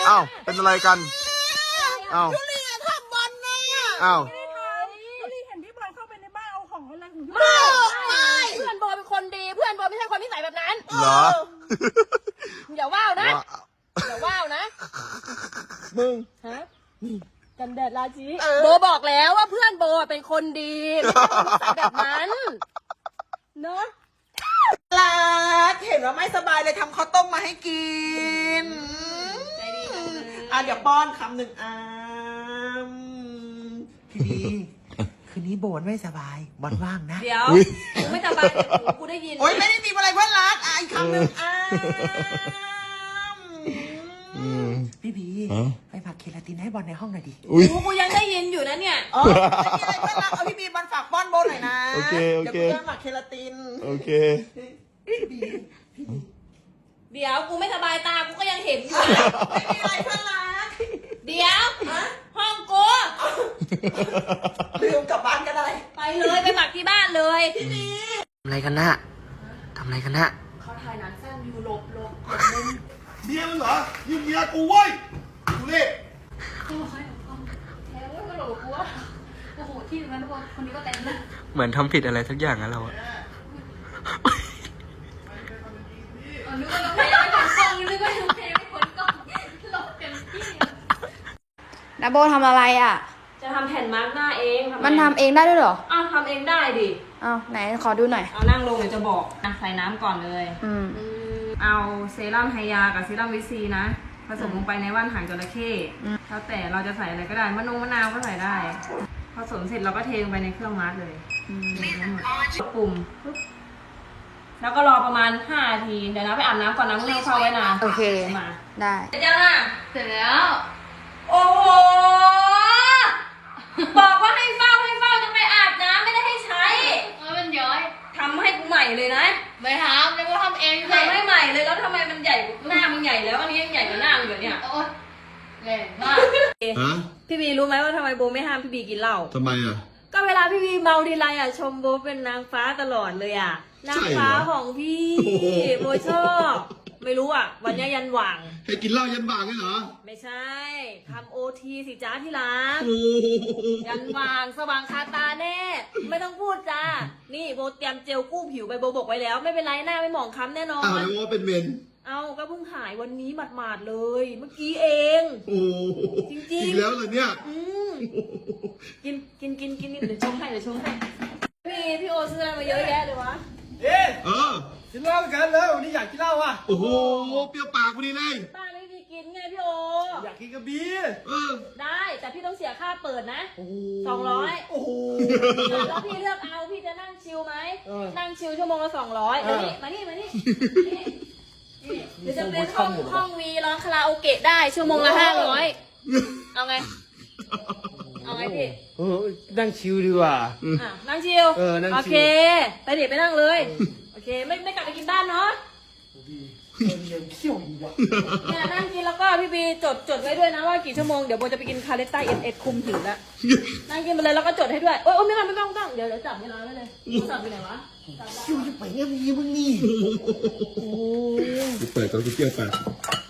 อ้าวเป็นอะไรกันอ้าวยูรีอะทำบอลนะอ้าวยูรีเห็นพี่บอลเข้าไปในบ้านเอาของอะไรของพี่บไม่อลไม่เพื่อนโบเป็นคนดีเพื่อนโบไม่ใช่คนนิสัยแบบนั้นเหรออย่าว่าวนะว่าอย่าว่าวนะมึงฮะกันแดดราชีโบบอกแล้วว่าเพื่อนโบเป็นคนดีไม่ใช่คนนิสัยแบบนั้นเนาะรักเห็นว่าไม่สบายเลยทำข้าวต้มมาให้กินใจดีจังเลยเดี๋ยวป้อนคำหนึ่งพี่บีคืนนี้โบนไม่สบายบอลว่างนะเดี๋ยวอุ๊ยกูไม่สบายแต่หูกูได้ยินโอ๊ยไม่ได้มีอะไรเพื่อนรักอีกคำหนึ่งพี่บีฮะไปผักเคลาตินให้บอลในห้องหน่อยดิอุ้ยหูกูยังได้ยินอยู่นะเนี่ยอ๋อไม่มีอะไรเพื่อนรักเอาพี่บีบอลฝากป้อนโบนหน่อยนะโอเคโอเคเดี๋ยวกูจะหมักเคลาตินโอเคเดี๋ยวกูไม่สบายตากูก็ยังเห็นอยู่ไม่มีอะไรเพื่อนรักเดี๋ยวห้องกูลืมกลับบ้านก็ได้ไปเลยไปหมักที่บ้านเลยทำอะไรกันนะทำอะไรกันนะเขาถ่ายหนังสั้นอยู่หลบเมียมึงเหรอยิงเมียกูเว้ยดูนี่แทงว่าหลบกูว่าโอ้โหที่นั้นคนนี้ก็เต็มเลยเหมือนทำผิดอะไรสักอย่างนะเราอะนึกว่าน้องเพลงไม่ผลกล้องนึกว่าน้องเพลงไม่ผลกล้องหลบเต็มที่นาโบทำอะไรอ่ะจะทำแผ่นมาร์กหน้าเองไมันทำเองได้ด้วยเหรออ้าวทำเองได้ดิอ้าวไหนขอดูหน่อยเอานั่งลงเดี๋ยวจะบอกใส่น้ำก่อนเลย เอาเซรั่มไฮยากับเซรั่มวิซีนะ ผสมลงไปในว่านหางจระเข้แล้วแต่เราจะใส่อะไรก็ได้มะนาวก็ใส่ได้ ผสมเสร็จเราก็เทลงไปในเครื่องมาร์กเลยกดปุ่มปุ๊บแล้วก็รอประมาณ5 นาที เดี๋ยวนะไปอาบน้ำก่อนนะมึงเข้าไว้นะโอเคมาได้เสร็จยังอ่ะเสร็จแล้วโอ้โห บอกว่าให้เฝ้าจะไปอาบน้ำไม่ได้ให้ใช้มันย้อยทำให้กูใหม่เลยนะไม่ทำนาโบทำเองเลทำให้ใหม่เลยแล้วทำไมมันใหญ่กว่าหน้ามึงใหญ่แล้วอันนี้ยังใหญ่กว่าหน้ามึงอยู่เนี่ยโอ๊ยแรงมากฮะพี่บีรู้ไหมว่าทำไมโบไม่ห้ามพี่บีกินเหล้าทำไมอ่ะก็เวลาพี่บีเมาทีไรอ่ะชมโบเป็นนางฟ้าตลอดเลยอ่ะ นางฟ้าของพี่โอ้โหโบชอบไม่รู้อ่ะ วันนี้ยันหว่างให้กินเหล้ายันบ่างเลยเหรอไม่ใช่ทำOTสิจ้าที่รักโอ้โหยันหว่างสว่างคาตาแน่ ไม่ต้องพูดจ้านี่โบเตรียมเจลกู้ผิวไปโบบอกไว้แล้ว ไม่เป็นไรหน้าไม่หมองคล้ำแน่นออ้าวน แล้วว่าเป็นเมนเอาก็เพิ่งหายวันนี้หมาดๆเลย เมื่อกี้เองโอ้โหจริงๆอีกแล้วเหรอเนี่ยอืมกินเดี๋ยวชงให้พี่โอซื้ออะไรมาเยอะแยะเลยวะเอ๊ะเออกินเหล้ากันเลยวันนี้อยากกินเหล้าอ่ะโอ้โห เปรี้ยวปากพอดีเลยป้าไม่มีกินไงพี่โออยากกินกระบี่เออได้แต่พี่ต้องเสียค่าเปิดนะโอ้โห 200 โอ้โหแล้วพี่เลือกเอาพี่จะนั่งชิลไหมเออนั่งชิลชั่วโมงละ200 เออมานี่เดี๋ยวจะเป็นห้องวีร้องคาราโอเกะได้ชั่วโมงละ500เอาไงพี่เออนั่งชิลดีกว่าอ่ะนั่งชิลเออนั่งชิลโอเคไปเดี๋ยวไปนั่งเลยโอเคไม่กลับไปกินบ้านเนาะเขี้ยวดีว่ะเนี่ยนั่งกินแล้วก็พี่บีจดไว้ด้วยนะว่ากี่ชั่วโมงเดี๋ยวโบจะไปกินคาเลต้าเอ็ดคุมหิวแล้วนั่งกินไปเลยแล้วก็จดให้ด้วยโอ๊ยไม่ต้องเดี๋ยวจับเวลาไว้เลยจับไปไหนวะเขี้ยวจะไปยังไงมึงนี่เปิดก่อนกูเปรี้ยวปากเ